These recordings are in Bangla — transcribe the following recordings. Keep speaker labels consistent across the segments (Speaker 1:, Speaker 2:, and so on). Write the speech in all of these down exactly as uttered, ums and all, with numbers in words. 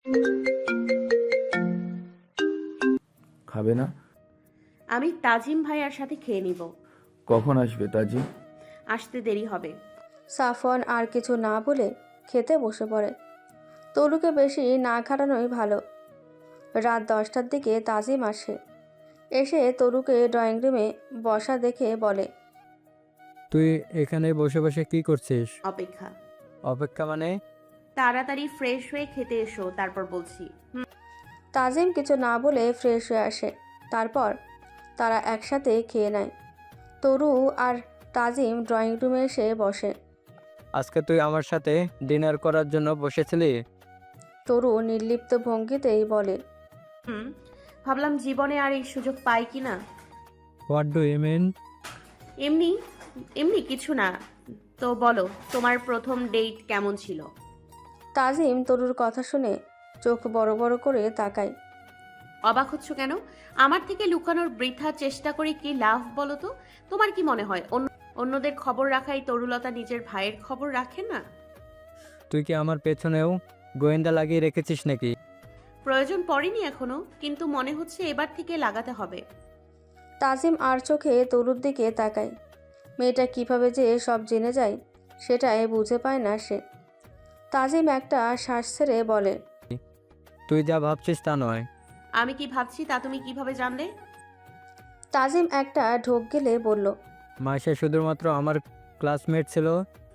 Speaker 1: খাবে না?
Speaker 2: আমি তাজিম ভাইয়ার সাথে খেয়ে নিব।
Speaker 1: কখন আসবে তাজি?
Speaker 2: আসতে দেরি হবে।
Speaker 3: সাফওয়ান আর কিছু না বলে খেতে বসে পড়ে। তরুকে বেশি না খাটানোই ভালো। রাত দশটার দিকে তাজিম আসে। এসে তরুকে ড্রয়িং রুমে বসা দেখে বলে,
Speaker 4: তুই এখানে বসে বসে কি করছিস?
Speaker 2: অপেক্ষা।
Speaker 4: অপেক্ষা মানে?
Speaker 2: তাড়াতাড়ি ফ্রেশ হয়ে খেতে এসো, তারপর বলছি।
Speaker 3: তাজিম কিছু না বলে ফ্রেশ হয়ে আসে। তারপর তারা একসাথে খেয়ে নেয়। তরু আর তাজিম ড্রয়িং রুমে এসে বসে।
Speaker 4: আজকে তুই আমার সাথে ডিনার করার জন্য বসেছিলি?
Speaker 3: তরু নির্লিপ্ত ভঙ্গিতেই বলে,
Speaker 2: হুম, ভাবলাম জীবনে আর এই সুযোগ পাই কি না।
Speaker 4: What do you mean?
Speaker 2: এমনি এমনি কিছু না। তো বলো, তোমার প্রথম ডেট কেমন ছিল?
Speaker 3: তাজিম তরুর কথা শুনে চোখ বড় বড় করে তাকায়।
Speaker 2: অবাক হচ্ছ কেন? আমার থেকে লুকানোর বৃথা চেষ্টা করে কি লাভ বলো তো? তোমার কি মনে হয় অন্য অন্যদের খবর রাখাই তরুলতা নিজের ভাইয়ের খবর রাখে না?
Speaker 4: তুই কি আমার পেছনেও গোয়েন্দা লাগিয়ে রেখেছিস নাকি?
Speaker 2: প্রয়োজন পড়েনি এখনো, কিন্তু মনে হচ্ছে এবার থেকে লাগাতে হবে।
Speaker 3: তাজিম আর চোখে তরুর দিকে তাকায়। মেয়েটা কিভাবে যে সব জেনে যায় সেটাই বুঝে পায় না সে। তাজিম একটা শ্বাস ছেড়ে বলে,
Speaker 4: তুই যা ভাবছিস তা নয়।
Speaker 2: আমি কি ভাবছি তা তুমি কিভাবে জানলে?
Speaker 3: তাজিম একটা ঢোক গেলে বলল,
Speaker 4: মাইশা শুধুমাত্র আমার ক্লাসমেট ছিল।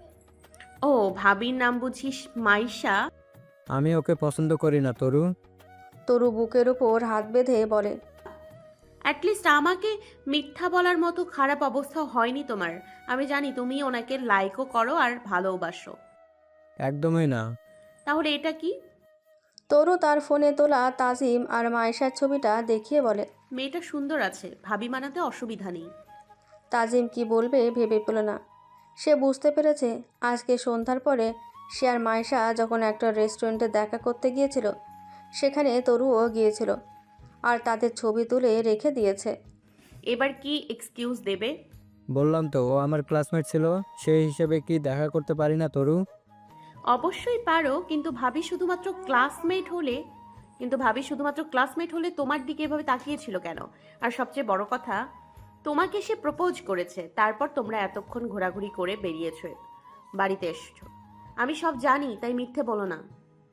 Speaker 2: ও, ভাবির নাম বুঝিস মাইশা?
Speaker 4: আমি ওকে পছন্দ করি না তরু।
Speaker 3: তরু বুকের উপর হাত বেঁধে বলে,
Speaker 2: অ্যাটলিস্ট আমাকে মিথ্যা বলার মতো খারাপ অবস্থা হয়নি তোমার। আমি জানি তুমি ওনাকে লাইকও করো আর ভালোবাসো।
Speaker 4: একদমই না।
Speaker 2: তাহলে এটা কি?
Speaker 3: তরু তার ফোনে তোলা তাজিম আর মায়েশার ছবিটা দেখিয়ে বলে।
Speaker 2: মেয়েটা সুন্দর আছে, ভাবি মানাতে অসুবিধা নেই।
Speaker 3: তাজিম কি বলবে ভেবে পেল না। সে বুঝতে পেরেছে আজকে সন্ধ্যার পরে সে আর মায়েশা যখন একটা রেস্টুরেন্টে দেখা করতে গিয়েছিল সেখানে তরুও গিয়েছিল আর তাদের ছবি তুলে রেখে দিয়েছে।
Speaker 2: এবার কি এক্সকিউজ দেবে?
Speaker 4: বললাম তো ও আমার ক্লাসমেট ছিল, সেই হিসেবে কি দেখা করতে পারি না তরু?
Speaker 2: অবশ্যই পারো, কিন্তু ভাবি শুধুমাত্র ক্লাসমেট হলে কিন্তু ভাবি শুধুমাত্র ক্লাসমেট হলে তোমার দিকে এভাবে তাকিয়েছিল কেন? আর সবচেয়ে বড় কথা, তোমাকে সে প্রপোজ করেছে, তারপর তোমরা এতক্ষণ ঘোরাঘুরি করে বেরিয়েছো, বাড়িতে এসছো। আমি সব জানি, তাই মিথ্যে বলো না।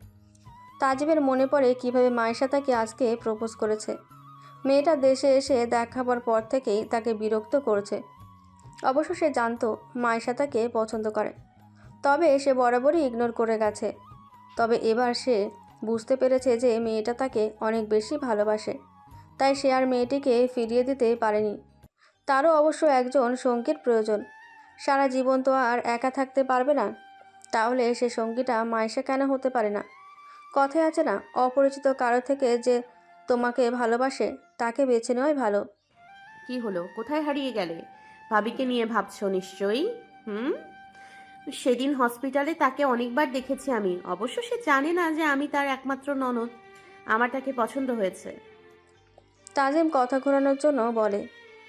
Speaker 3: তাজিমের মনে পড়ে কিভাবে মায়েশা তাকে আজকে প্রপোজ করেছে। মেয়েটা দেশে এসে দেখাবার পর থেকেই তাকে বিরক্ত করেছে। অবশ্য সে জানতো মায়েশা তাকে পছন্দ করে, তবে সে বরাবরই ইগনোর করে গেছে। তবে এবার সে বুঝতে পেরেছে যে মেয়েটা তাকে অনেক বেশি ভালোবাসে, তাই সে আর মেয়েটিকে ফিরিয়ে দিতে পারেনি। তারও অবশ্য একজন সঙ্গীর প্রয়োজন। সারা জীবন তো আর একা থাকতে পারবে না, তাহলে সে সঙ্গীটা মায়েশা কেন হতে পারে না? কথায় আছে না, অপরিচিত কারো থেকে যে তোমাকে ভালোবাসে তাকে বেছে নেওয়াই ভালো।
Speaker 2: কি হলো, কোথায় হারিয়ে গেলে? ভাবিকে নিয়ে ভাবছো নিশ্চয়ই। হুম, সেদিন হসপিটালে তাকে অনেকবার দেখেছি আমি। অবশ্য সে জানে না যে আমি তার একমাত্র ননদ। আমার তাকে পছন্দ হয়েছে।
Speaker 3: তাজিম কথা ঘোরানোর জন্য বলে,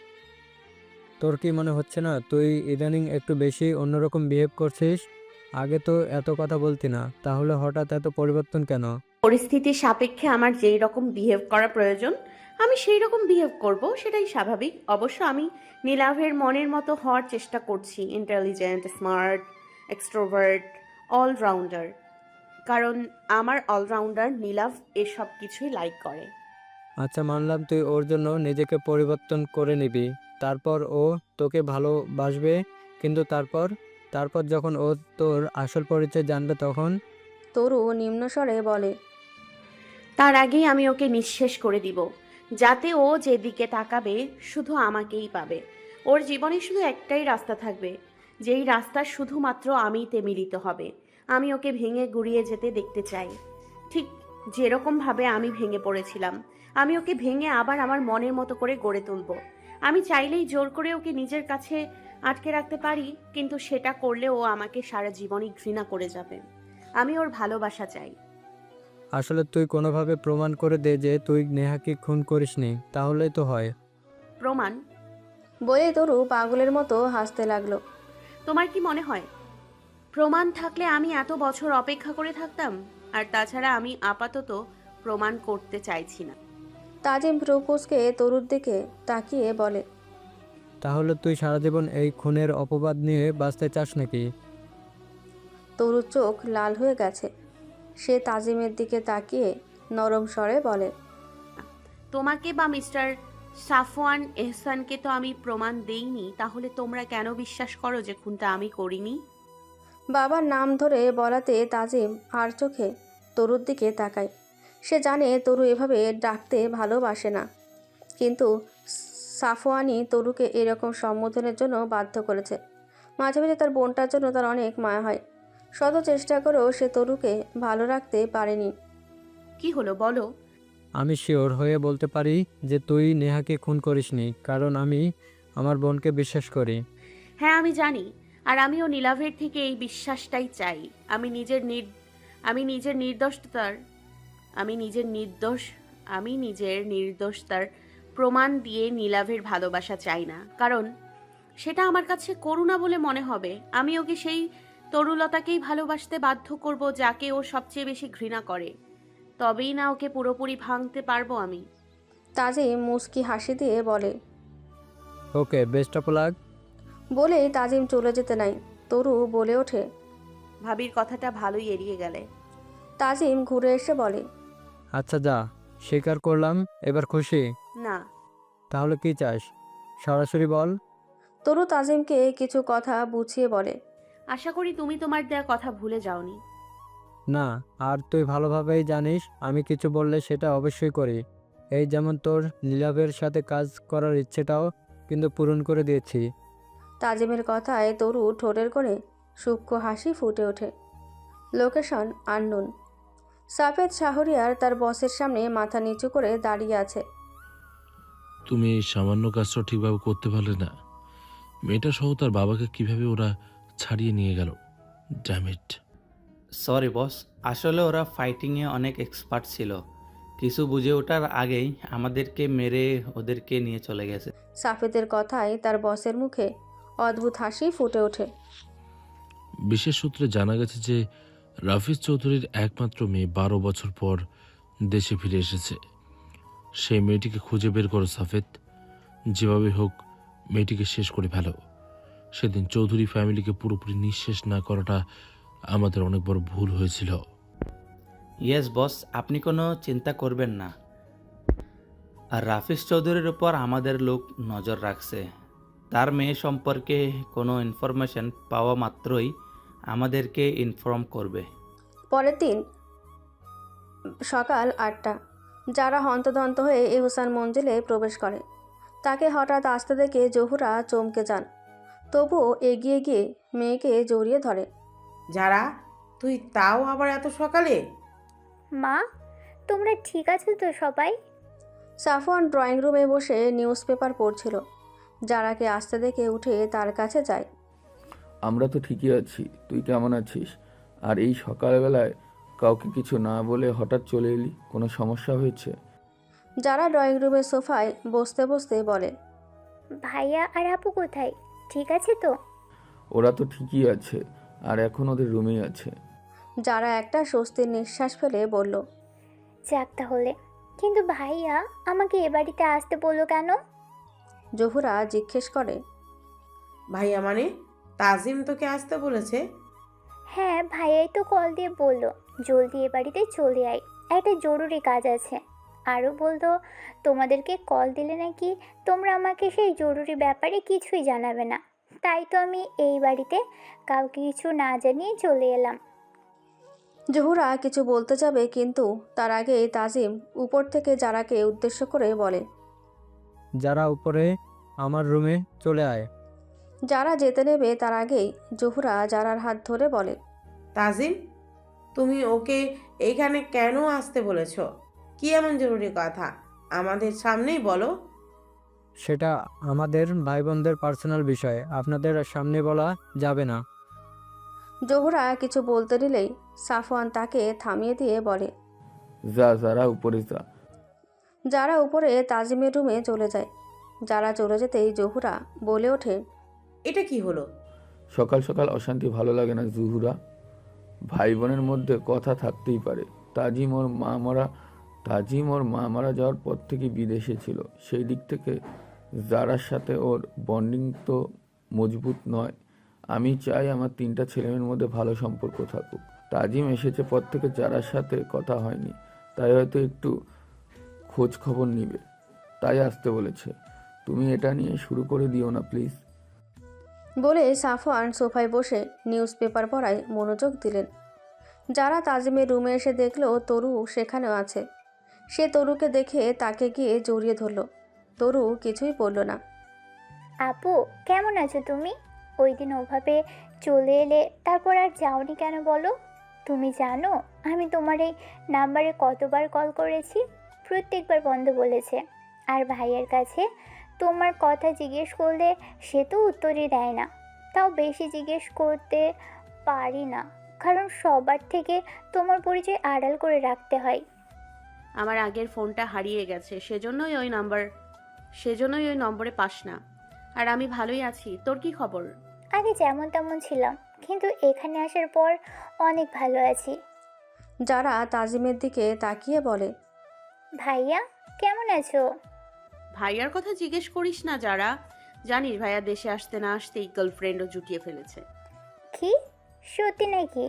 Speaker 4: তোর কি মনে হচ্ছে না তুই ইদানিং একটু বেশি অন্যরকম বিহেভ করছিস? আগে তো এত কথা বলতি না, তাহলে হঠাৎ এত পরিবর্তন কেন?
Speaker 2: পরিস্থিতির সাপেক্ষে আমার যেই রকম বিহেভ করা প্রয়োজন আমি সেই রকম বিহেভ করব, সেটাই স্বাভাবিক। অবশ্য আমি নীলাভের মনের মতো হওয়ার চেষ্টা করছি, ইন্টেলিজেন্ট, স্মার্ট, এক্সট্রোভার্ট, অলরাউন্ডার। কারণ আমার অলরাউন্ডার নীলাভ এসব কিছুই লাইক করে।
Speaker 4: আচ্ছা, মানলাম তুই ওর জন্য নিজেকে পরিবর্তন করে নিবি, তারপর ও তোকে ভালোবাসবে, কিন্তু তারপর তারপর যখন ও তোর আসল পরিচয় জানবে তখন?
Speaker 3: তরু নিম্নস্বরে বলে,
Speaker 2: তার আগেই আমি ওকে নিঃশেষ করে দিব, যাতে ও যেদিকে তাকাবে শুধু আমাকেই পাবে। ওর জীবনে শুধু একটাই রাস্তা থাকবে, যেই রাস্তা শুধুমাত্র আমিতে মিলিত হবে। আমি ওকে ভেঙে গুড়িয়ে যেতে দেখতে চাই, ঠিক যেরকমভাবে আমি ভেঙে পড়েছিলাম। আমি ওকে ভেঙে আবার আমার মনের মতো করে গড়ে তুলব। আমি চাইলেই জোর করে ওকে নিজের কাছে আটকে রাখতে পারি, কিন্তু সেটা করলে ও আমাকে সারা জীবনই ঘৃণা করে যাবে। আমি ওর ভালোবাসা চাই।
Speaker 4: আসলে তুই কোনোভাবে প্রমাণ করে দে যে তুই নেহাকে খুন করিসনি, তাহলেই তো হয়।
Speaker 2: প্রমাণ?
Speaker 3: বলে তরু পাগলের মতো হাসতে লাগলো।
Speaker 2: তোমার কি মনে হয় প্রমাণ থাকলে আমি এত বছর অপেক্ষা করে থাকতাম? আর তাছাড়া আমি আপাতত প্রমাণ করতে চাইছি না।
Speaker 3: তাজিম প্রপোজকে তরুর দিকে তাকিয়ে বলে,
Speaker 4: তাহলে তুই সারা জীবন এই খুনের অপবাদ নিয়ে বাঁচতে চাস নাকি?
Speaker 3: তরুর চোখ লাল হয়ে গেছে। সে তাজিমের দিকে তাকিয়ে নরম স্বরে বলে,
Speaker 2: তোমাকে বা মিস্টার সাফওয়ান এহসানকে তো আমি প্রমাণ দেইনি, তাহলে তোমরা কেন বিশ্বাস করো যে খুনটা আমি করিনি?
Speaker 3: বাবার নাম ধরে বলাতে তাজিম আর চোখে তরুর দিকে তাকায়। সে জানে তরু এভাবে ডাকতে ভালোবাসে না, কিন্তু সাফওয়ানি তরুকে এরকম সম্বোধনের জন্য বাধ্য করেছে। মাঝে মাঝে তার বোনটার জন্য তার অনেক মায়া হয়। শত চেষ্টা করেও সে তরুকে ভালো রাখতে পারেনি।
Speaker 2: কি হলো বলো?
Speaker 4: আমি শিওর হয়ে বলতে পারি যে তুই নেহাকে খুন করিসনি, কারণ আমি আমার বোনকে বিশ্বাস করি।
Speaker 2: হ্যাঁ আমি জানি, আর আমিও নীলাভের থেকে এই বিশ্বাসটাই চাই। আমি নিজের নির আমি নিজের নির্দোষতার আমি নিজের নির্দোষ আমি নিজের নির্দোষতার প্রমাণ দিয়ে নীলাভের ভালোবাসা চাই না, কারণ সেটা আমার কাছে করুণা বলে মনে হবে। আমি ওকে সেই তরুলতাকেই ভালোবাসতে বাধ্য করব যাকে ও সবচেয়ে বেশি ঘৃণা করে, তবেই না ওকে পুরোপুরি ভাঙতে পারবো আমি।
Speaker 3: তাজিম মুচকি হাসি দিয়ে বলে।
Speaker 4: Okay, best of luck.
Speaker 3: বলেই তাজিম চলে যেতে নাই, তরু বলে ওঠে।
Speaker 2: ভাবির কথাটা ভালোই এড়িয়ে গেলে।
Speaker 3: তাজিম ঘুরে এসে বলে,
Speaker 4: আচ্ছা যা, স্বীকার করলাম, এবার খুশি?
Speaker 2: না।
Speaker 4: তাহলে কি চাস, সরাসরি বল।
Speaker 3: তরু তাজিমকে কিছু কথা বুঝিয়ে বলে।
Speaker 2: আশা করি তুমি তোমার দেয়া কথা ভুলে যাওনি।
Speaker 4: না, আর তুই ভালোভাবেই জানিস আমি কিছু বললে সেটা অবশ্যই করি। এই যেমন তোর নীলাভের সাথে কাজ করার ইচ্ছেটাও কিন্তু পূরণ করে দিয়েছি।
Speaker 3: তাজিমের কথায় তরু ঠোঁটের কোণে সূক্ষ্ম হাসি ফুটে ওঠে। Location unknown. সাফেদ শাহরিয়ার তার বসের সামনে মাথা নিচু করে দাঁড়িয়ে আছে।
Speaker 5: তুমি এই সামান্য কাজটা ঠিকভাবে করতে পারলে না? মেয়েটা সহ তার বাবাকে কিভাবে ওরা ছাড়িয়ে নিয়ে গেল? ড্যামিট।
Speaker 6: সরি বস, আসলে ওরা ফাইটিংয়ে অনেক এক্সপার্ট ছিল। কিছু বুঝে ওঠার আগেই আমাদেরকে মেরে ওদেরকে নিয়ে চলে গেছে।
Speaker 3: সাফেদের কথায় তার বসের মুখে অদ্ভুত হাসি ফুটে ওঠে।
Speaker 5: বিশেষ সূত্রে জানা গেছে যে রাফিজ চৌধুরীর একমাত্র মেয়ে বারো বছর পর দেশে ফিরে এসেছে। সেই মেয়েটিকে খুঁজে বের করো সাফেদ, যেভাবে হোক মেয়েটিকে শেষ করে ফেলো। সেদিন চৌধুরী ফ্যামিলিকে পুরোপুরি নিঃশেষ না করাটা আমাদের অনেক বড় ভুল হয়েছিল।
Speaker 6: ইয়েস বস, আপনি কোনো চিন্তা করবেন না। আর রাফিজ চৌধুরীর উপর আমাদের লোক নজর রাখছে। তার মেয়ে সম্পর্কে কোনো ইনফরমেশন পাওয়া মাত্রই আমাদেরকে ইনফর্ম করবে।
Speaker 3: পরের দিন সকাল আটটা। যারা হন্তদন্ত হয়ে এহসান মঞ্জিলে প্রবেশ করে, তাকে হঠাৎ আসতে দেখে জহুরা চমকে যান। তবুও এগিয়ে গিয়ে মেয়েকে জড়িয়ে ধরে।
Speaker 7: যারা, তুই তাও আবার এত সকালে?
Speaker 8: মা, তোমরা ঠিক আছো তো সবাই?
Speaker 3: সাফওয়ান ড্রয়িং রুমে বসে নিউজ পেপার পড়ছিল। যারাকে আসতে দেখে উঠে তার কাছে যায়।
Speaker 1: আমরা তো ঠিকই আছি, তুই কেমন আছিস? আর এই সকালবেলায় কাউকে কিছু না বলে হঠাৎ চলে এলি, কোনো সমস্যা হয়েছে?
Speaker 3: যারা ড্রয়িং রুমের সোফায় বসতে বসতে বলে।
Speaker 8: ভাইয়া আর আপু কোথায়? ঠিক আছে তো?
Speaker 1: ওরা তো ঠিকই আছে, আর এখন ওদের রুমেই আছে।
Speaker 3: যারা একটা স্বস্তির নিঃশ্বাস ফেলে বলল।
Speaker 8: যাক তাহলে, কিন্তু ভাইয়া আমাকে এ বাড়িতে আসতে বললো কেন?
Speaker 3: জহুরা জিজ্ঞেস করে।
Speaker 7: ভাইয়া মানে তাজিম তোকে আসতে বলেছে?
Speaker 8: হ্যাঁ, ভাইয়াই তো কল দিয়ে বললো জলদি এ বাড়িতে চলে আয়, একটা জরুরি কাজ আছে। আরও বলতো তোমাদেরকে কল দিলে নাকি তোমরা আমাকে সেই জরুরি ব্যাপারে কিছুই জানাবে না। তাই তো আমি এই বাড়িতে কাউকে কিছু না জানিয়ে চলে এলাম।
Speaker 3: জহুরা কিছু বলতে যাবে, কিন্তু তার আগেই তাজিম উপর থেকে যারাকে উদ্দেশ্য করে বলে।
Speaker 4: যারা উপরে আমার রুমে চলে আয়।
Speaker 3: যারা যেতে নেবে তার আগেই জহুরা যারার হাত ধরে বলে।
Speaker 7: তাজিম, তুমি ওকে এইখানে কেন আসতে বলেছ? কি এমন জরুরি কথা? আমাদের সামনেই বলো।
Speaker 4: সেটা আমাদের ভাই বোনদের পার্সোনাল বিষয়, আপনাদের সামনে বলা যাবে না।
Speaker 3: জহুরা কিছু বলতে নিলেই সাফওয়ান তাকে থামিয়ে দিয়ে বলে।
Speaker 1: যা যারা উপরে যা।
Speaker 3: যারা উপরে তাজিমের রুমে চলে যায়। যারা চলে যেতেই জহুরা বলে ওঠে।
Speaker 7: এটা কি হলো?
Speaker 1: সকাল সকাল অশান্তি ভালো লাগে না জুহুরা। ভাই বোনের মধ্যে কথা থাকতেই পারে। তাজিম ওর মা মারা তাজিম ওর মা মারা যাওয়ার পর থেকে বিদেশে ছিল, সেই দিক থেকে যারার সাথে ওর বন্ডিং তো মজবুত নয়। আমি চাই আমার তিনটা ছেলেমেয়ের মধ্যে ভালো সম্পর্ক থাকুক। তাজিম এসেছে পর থেকে যারার সাথে কথা হয়নি, তাই হয়তো একটু খোঁজ খবর নিবে, তাই আসতে বলেছে। তুমি এটা নিয়ে শুরু করে দিও না প্লিজ।
Speaker 3: বলে সাফওয়ান সোফায় বসে নিউজ পেপার পড়ায় মনোযোগ দিলেন। যারা তাজিমের রুমে এসে দেখলো তরু সেখানেও আছে। সে তরুকে দেখে তাকে গিয়ে জড়িয়ে ধরল। তরু কিছুই বলল না।
Speaker 8: আপু কেমন আছো তুমি? ওই দিন ওভাবে চলে এলে, তারপর আর যাওনি কেন বলো? তুমি জানো আমি তোমার এই নাম্বারে কতবার কল করেছি? প্রত্যেকবার বন্ধ বলেছে। আর ভাইয়ের কাছে তোমার কথা জিজ্ঞেস করলে সে তো উত্তরই দেয় না। তাও বেশি জিজ্ঞেস করতে পারি না, কারণ সবার থেকে তোমার পরিচয় আড়াল করে রাখতে হয়।
Speaker 2: আমার আগের ফোনটা হারিয়ে গেছে, সেজন্যই ওই নাম্বার সেজন্যই ওই নম্বরে পাস না। আর আমি ভালোই আছি, তোর কি খবর?
Speaker 8: আগে যেমন তেমন ছিলাম, কিন্তু এখানে আসার পর অনেক ভালো আছি।
Speaker 3: যারা তাজিমের দিকে তাকিয়ে বলে,
Speaker 8: ভাইয়া কেমন আছো?
Speaker 2: ভাইয়ার কথা জিজ্ঞেস করিস না যারা, জানিস ভাইয়া দেশে আসতে না আসতেই গার্লফ্রেন্ডও জুটিয়ে ফেলেছে।
Speaker 8: কি সত্যি নাকি?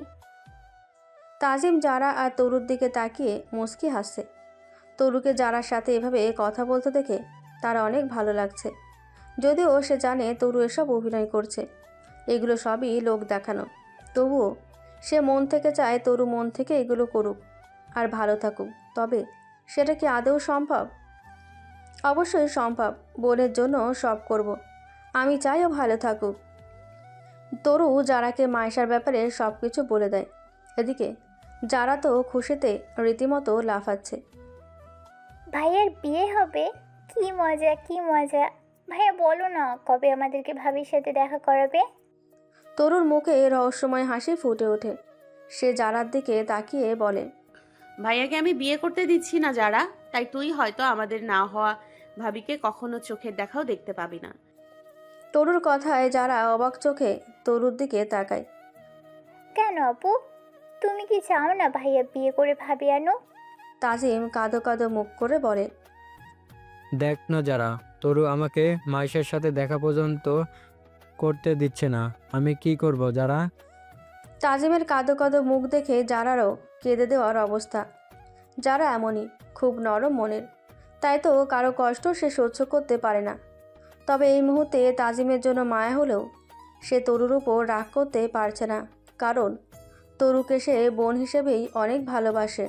Speaker 3: তাজিম যারা আর তরুর দিকে তাকিয়ে মুচকি হাসছে। তরুকে যারার সাথে এভাবে কথা বলতে দেখে তার অনেক ভালো লাগছে। যদিও সে জানে তরু এসব অভিনয় করছে, এগুলো সবই লোক দেখানো, তবুও সে মন থেকে চায় তরু মন থেকে এগুলো করুক আর ভালো থাকুক। তবে সেটা কি আদৌ সম্ভব? অবশ্যই সম্ভব। বোনের জন্য সব করব। আমি চাইও ভালো থাকুক। তরু যারাকে মায়েশার ব্যাপারে সব কিছু বলে দেয়। এদিকে যারা তো খুশিতে রীতিমতো লাফাচ্ছে।
Speaker 8: ভাইয়ার বিয়ে হবে? কি মজা কি মজা! ভাইয়া বলো না কবে আমাদেরকে ভাবির সাথে দেখা করাবে?
Speaker 3: তরুর মুখে রহস্যময় হাসি ফুটে ওঠে। সে যারার দিকে তাকিয়ে বলে,
Speaker 2: ভাইয়াকে আমি বিয়ে করতে দিচ্ছি না যারা, তাই তুই হয়তো আমাদের না হওয়া ভাবিকে কখনো চোখের দেখাও দেখতে পাবি না।
Speaker 3: তরুর কথায় যারা অবাক চোখে তরুর দিকে তাকায়।
Speaker 8: কেন আপু, তুমি কি চাও না ভাইয়া বিয়ে করে ভাবি আনো?
Speaker 3: তাজিম কাঁদো কাঁদো মুখ করে বলে,
Speaker 4: দেখ না যারা, তরু আমাকে মাইশার সাথে দেখা পর্যন্ত করতে দিচ্ছে না, আমি কি করব যারা?
Speaker 3: তাজিমের কাঁদো কাঁদো মুখ দেখে যারারও কেঁদে দেওয়ার অবস্থা। যারা এমনই, খুব নরম মনের, তাই তো কারো কষ্ট সে সহ্য করতে পারে না। তবে এই মুহূর্তে তাজিমের জন্য মায়া হলেও সে তরুর উপর রাগ করতে পারছে না, কারণ তরুকে সে বোন হিসেবেই অনেক ভালোবাসে।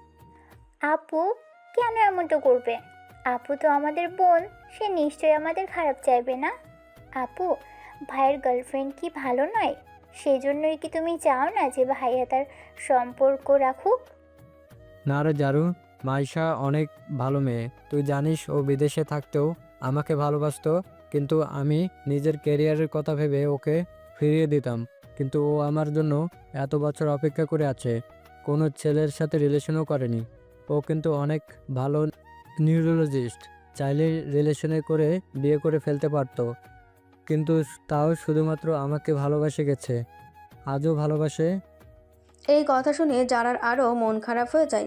Speaker 8: আপু কেন এমনটা করবে? আপু তো আমাদের বোন, সে নিশ্চয়ই আমাদের খারাপ চাইবে না। আপু ভাইয়ের গার্লফ্রেন্ড কি ভালো নয়? সেজন্যই কি তুমি চাও না যে ভাইয়া তার সম্পর্ক রাখুক?
Speaker 4: না রে জারু, মাইশা অনেক ভালো মেয়ে। তুই জানিস ও বিদেশে থাকতেও আমাকে ভালোবাসতো, কিন্তু আমি নিজের ক্যারিয়ারের কথা ভেবে ওকে ফিরিয়ে দিতাম। কিন্তু ও আমার জন্য এত বছর অপেক্ষা করে আছে, কোনো ছেলের সাথে রিলেশনও করেনি। ও কিন্তু অনেক ভালো নিউরোলজিস্ট, চাইলে রিলেশনে করে বিয়ে করে ফেলতে পারতো, কিন্তু তাও শুধুমাত্র আমাকে ভালোবাসে গেছে, আজও ভালোবাসে।
Speaker 3: এই কথা শুনে যারার আরও মন খারাপ হয়ে যায়।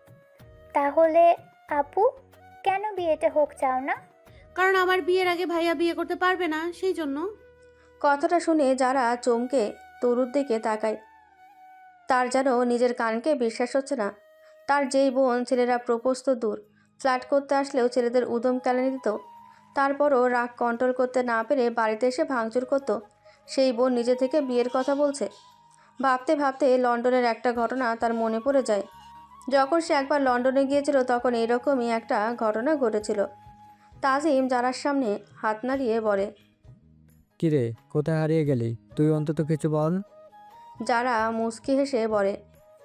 Speaker 8: তাহলে আপু কেন বিয়েটা হোক চাও না?
Speaker 2: কারণ আমার বিয়ের আগে ভাইয়া বিয়ে করতে পারবে না, সেই জন্য।
Speaker 3: কথাটা শুনে যারা চমকে তরুর দিকে তাকায়। তার যেন নিজের কানকে বিশ্বাস হচ্ছে না। তার যেই বোন ছেলেরা প্রপোজ তো দূর, ফ্ল্যাট করতে আসলেও ছেলেদের উদম কেলানি দিত, তারপরও রাগ কন্ট্রোল করতে না পেরে বাড়িতে এসে ভাঙচুর করত, সেই বোন নিজে থেকে বিয়ের কথা বলছে। ভাবতে ভাবতে লন্ডনের একটা ঘটনা তার মনে পড়ে যায়। যখন সে একবার লন্ডনে গিয়েছিল তখন এরকমই একটা ঘটনা ঘটেছিল। তাজিম যারার সামনে হাত নাড়িয়ে বলে,
Speaker 4: কিরে, কোথায় হারিয়ে গেলি? তুই অন্তত কিছু বল।
Speaker 3: যারা মুচকি হেসে বলে,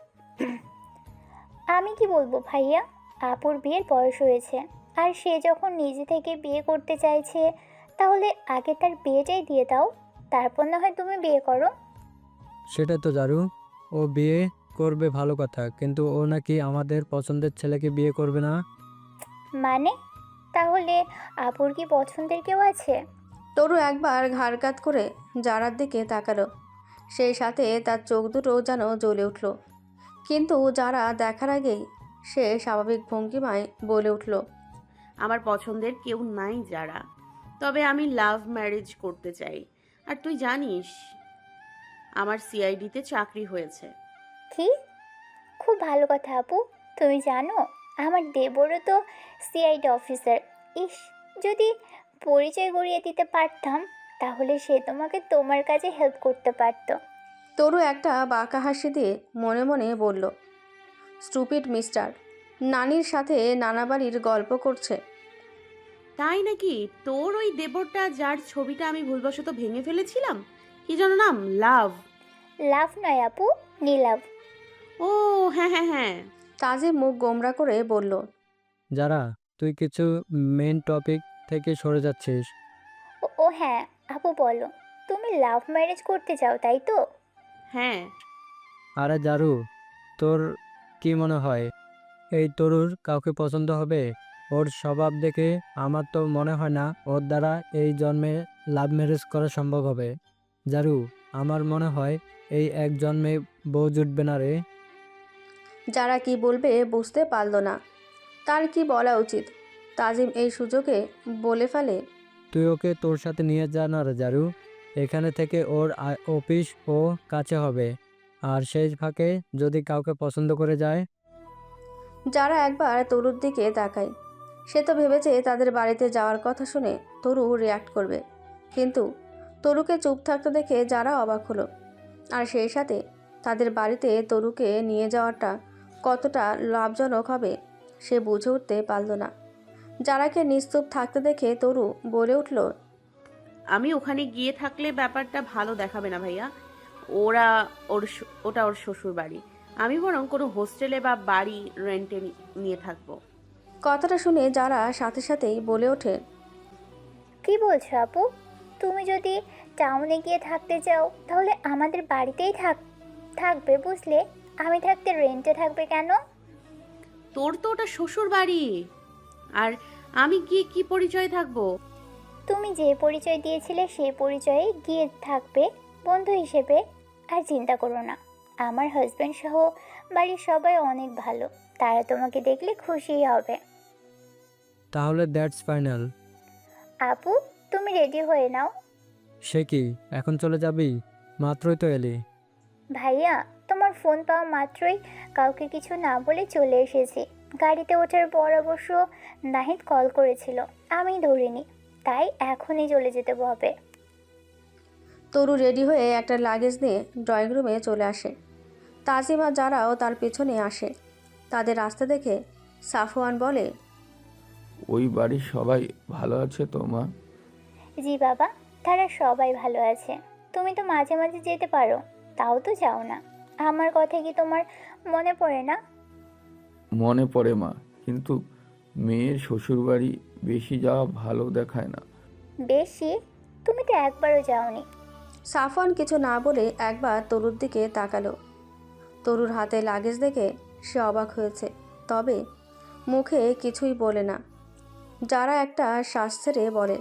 Speaker 8: আমি কি বলবো ভাইয়া, আপুর বিয়ের বয়স হয়েছে, আর সে যখন নিজে থেকে বিয়ে করতে চাইছে, তাহলে আগে তার বিয়েটাই দিয়ে দাও, তারপর না হয় তুমি বিয়ে করো।
Speaker 4: সেটা তো জারু, ও বিয়ে করবে ভালো কথা, কিন্তু ও নাকি আমাদের পছন্দের ছেলেকে বিয়ে করবে না।
Speaker 8: মানে তাহলে আপুর কি পছন্দের কেউ আছে?
Speaker 3: তরু একবার ঘাড় কাত করে যারার দিকে তাকালো। সেই সাথে তার চোখ দুটো যেন জ্বলে উঠল। কিন্তু যারা দেখার আগেই সে স্বাভাবিক ভঙ্গিমায় বলে উঠল,
Speaker 2: আমার পছন্দের কেউ নাই যারা, তবে আমি লাভ ম্যারেজ করতে চাই। আর তুই জানিস আমার সিআইডিতে চাকরি হয়েছে।
Speaker 8: কি? খুব ভালো কথা আপু। তুমি জানো আমার দেবরও তো সিআইডি অফিসার। ইস, যদি পরিচয় করিয়ে দিতে পারতাম তাহলে সে তোমাকে তোমার কাজে হেল্প করতে পারতো।
Speaker 3: তরু একটা বাঁকা হাসি দিয়ে মনে মনে বলল, স্টুপিড মিস্টার, নানির সাথে নানা বাড়ির গল্প করছে।
Speaker 2: তাই নাকি? তোর ওই দেবরটা যার ছবিটা আমি ভুলবশত ভেঙে ফেলেছিলাম, কি যেন নাম? লাভ?
Speaker 8: লাভ নয় আপু, নীলাভ।
Speaker 2: ও হ্যাঁ হ্যাঁ হ্যাঁ।
Speaker 3: তাজিম মুখ গোমরা করে বলল,
Speaker 4: যারা, তুই কিছু মেন টপিক থেকে সরে যাচ্ছিস।
Speaker 8: ও ও হ্যাঁ আপু, বলো তুমি লাভ ম্যারেজ করতে চাও তাই তো?
Speaker 2: হ্যাঁ।
Speaker 4: আরে জারু, তোর কি মনে হয় এই তরুর কাউকে পছন্দ হবে? ওর স্বভাব দেখে আমার তো মনে হয় না ওর দ্বারা এই জন্মে লাভ ম্যারেজ করা সম্ভব হবে। জারু, আমার মনে হয় এই এক জন্মে বউ জুটবে না রে।
Speaker 3: যারা কি বলবে বুঝতে পারল না তার কি বলা উচিত। তাজিম এই সুযোগে বলে ফেলে,
Speaker 4: তুই ওকে তোর সাথে নিয়ে যা না রে জারু। এখানে থেকে ওর আ- অফিস ও কাছে হবে। আর সেই ফাঁকে যদি কাউকে পছন্দ করে যায়।
Speaker 3: যারা একবার তরুর দিকে তাকায়। সে তো ভেবেছে তাদের বাড়িতে যাওয়ার কথা শুনে তরু রিয়াক্ট করবে, কিন্তু তরুকে চুপ থাকতে দেখে যারা অবাক হলো। আর সেই সাথে তাদের বাড়িতে তরুকে নিয়ে যাওয়াটা কতটা লাভজনক হবে সে বুঝে উঠতে পারল না। যারাকে নিস্তুপ থাকতে দেখে তরু বলে উঠল,
Speaker 2: আমি ওখানে গিয়ে থাকলে ব্যাপারটা ভালো দেখাবে না ভাইয়া। ওরা ওর শ- ওটা ওর শ্বশুর বাড়ি। আমি বরং কোনো হোস্টেলে বা বাড়ি রেন্টে নিয়ে থাকবো।
Speaker 3: কথাটা শুনে যারা সাথে সাথেই বলে ওঠে,
Speaker 8: কি বলছো আপু? তুমি যদি টাউনে গিয়ে থাকতে চাও তাহলে আমাদের বাড়িতেই থাক থাকবে বুঝলে। আমি থাকতে রেন্টে থাকবে কেন?
Speaker 2: তোর তো ওটা শ্বশুর বাড়ি, আর আমি গিয়ে কি পরিচয় থাকবো?
Speaker 8: তুমি যে পরিচয় দিয়েছিলে সেই পরিচয়ে গিয়ে থাকবে বন্ধু হিসেবে। আর চিন্তা করো না, আমার হাজব্যান্ড সহ বাড়ির সবাই অনেক ভালো, তারা তোমাকে দেখলে খুশিই হবে।
Speaker 4: তাহলে দ্যাটস ফাইনাল।
Speaker 8: আপু, তুমি রেডি হয়ে নাও।
Speaker 4: সে কি এখন চলে যাবি? মাত্রই তো এলি।
Speaker 8: ভাইয়া, তোমার ফোন পাওয়া মাত্রই কাউকে কিছু না বলে চলে এসেছি। গাড়িতে ওঠার পর অবশ্য নাহিদ কল করেছিল, আমি ধরিনি, তাই এখনই চলে যেতে হবে।
Speaker 3: তরু রেডি হয়ে একটা লাগেজ নিয়ে ড্রয়িং রুমে চলে আসে। তাজিমা যারাও তার পেছনে আসে। তাদের রাস্তা দেখে সাফওয়ান বলে,
Speaker 1: ওই বাড়ির সবাই ভালো আছে তো মা?
Speaker 8: জি বাবা, তারা সবাই ভালো আছে। তুমি তো মাঝে মাঝে যেতে পারো, তাও তো যাও না। আমার কথা কি তোমার মনে পড়ে না?
Speaker 1: মনে পড়ে মা, কিন্তু মেয়ের শ্বশুরবাড়ি বেশি যাওয়া ভালো দেখায় না।
Speaker 8: বেশি? তুমি তো একবারও যাওনি।
Speaker 3: সাফওয়ান কিছু না বলে একবার তরুর দিকে তাকালো। তরুর হাতে লাগেজ দেখে সে অবাক হয়েছে, তবে মুখে কিছুই বলে না। যারা একটা শ্বাস ছেড়ে বলে,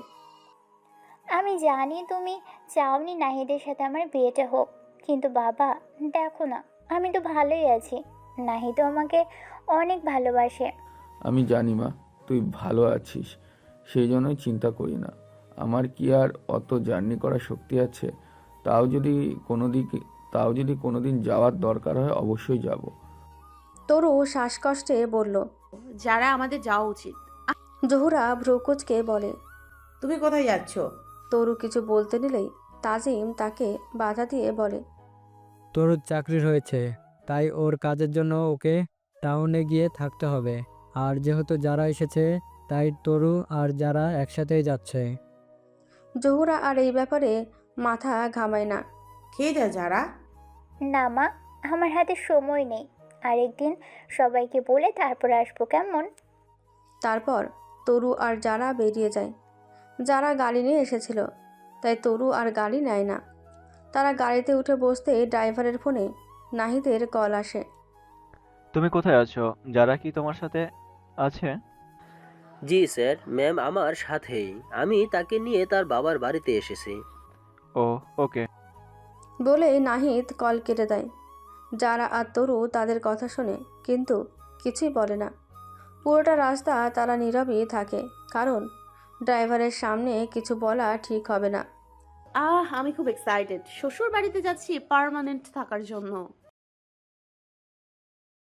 Speaker 8: আমি জানি তুমি চাওনি নাহিদের সাথে আমার বিয়েটা হোক, কিন্তু বাবা দেখো না, আমি তো ভালোই আছি। নাহিদও আমাকে অনেক ভালোবাসে।
Speaker 1: আমি জানি মা, তুই ভালো আছিস, সেই জন্যই চিন্তা করি না। আমার কি আর অত জার্নি করার শক্তি আছে? তাও যদি কোনো দিকে তাও যদি কোনো দিন যাওয়ার দরকার হয় অবশ্যই যাব।
Speaker 3: তরু শ্বাসকষ্টে বলল।
Speaker 2: যারা আমাদের যাওয়া উচিত।
Speaker 3: জহুরা ভ্রুকুচকে বলে,
Speaker 7: তুমি কোথায় যাচ্ছ?
Speaker 3: তরু কিছু বলতে নিলেই তাজিম তাকে বাধা দিয়ে বলে,
Speaker 4: তোর চাকরি হয়েছে, তাই ওর কাজের জন্য ওকে টাউনে গিয়ে থাকতে হবে। আর যেহেতু যারা এসেছে, তাই তরু আর যারা একসাথেই যাচ্ছে।
Speaker 3: জহুরা আর এই ব্যাপারে মাথা ঘামায় না।
Speaker 7: খেয়ে যা যারা।
Speaker 8: না মা, আমার হাতে সময় নেই, আরেকদিন সবাইকে বলে তারপর আসবো, কেমন?
Speaker 3: তারপর তরু আর যারা বেরিয়ে যায়। যারা গাড়ি নিয়ে এসেছিল, তাই তরু আর গাড়ি নেয় না। তারা গাড়িতে উঠে বসতে ড্রাইভারের ফোনে নাহিদের কল আসে।
Speaker 9: তুমি কোথায় আছো? যারা কি তোমার সাথে আছে?
Speaker 10: জি স্যার, ম্যাম আমার সাথেই। আমি তাকে নিয়ে তার বাবার বাড়িতে এসেছি।
Speaker 9: ও ওকে।
Speaker 3: বলে নাহিদ কল কেটে দেয়। যারা আর তরু তাদের কথা শোনে, কিন্তু কিছুই বলে না। পুরোটা রাস্তা তারা নীরবই থাকে, কারণ ড্রাইভারের সামনে কিছু বলা ঠিক হবে না।
Speaker 2: আহ আমি খুব এক্সাইটেড, শ্বশুর বাড়িতে যাচ্ছি পার্মানেন্ট থাকার জন্য।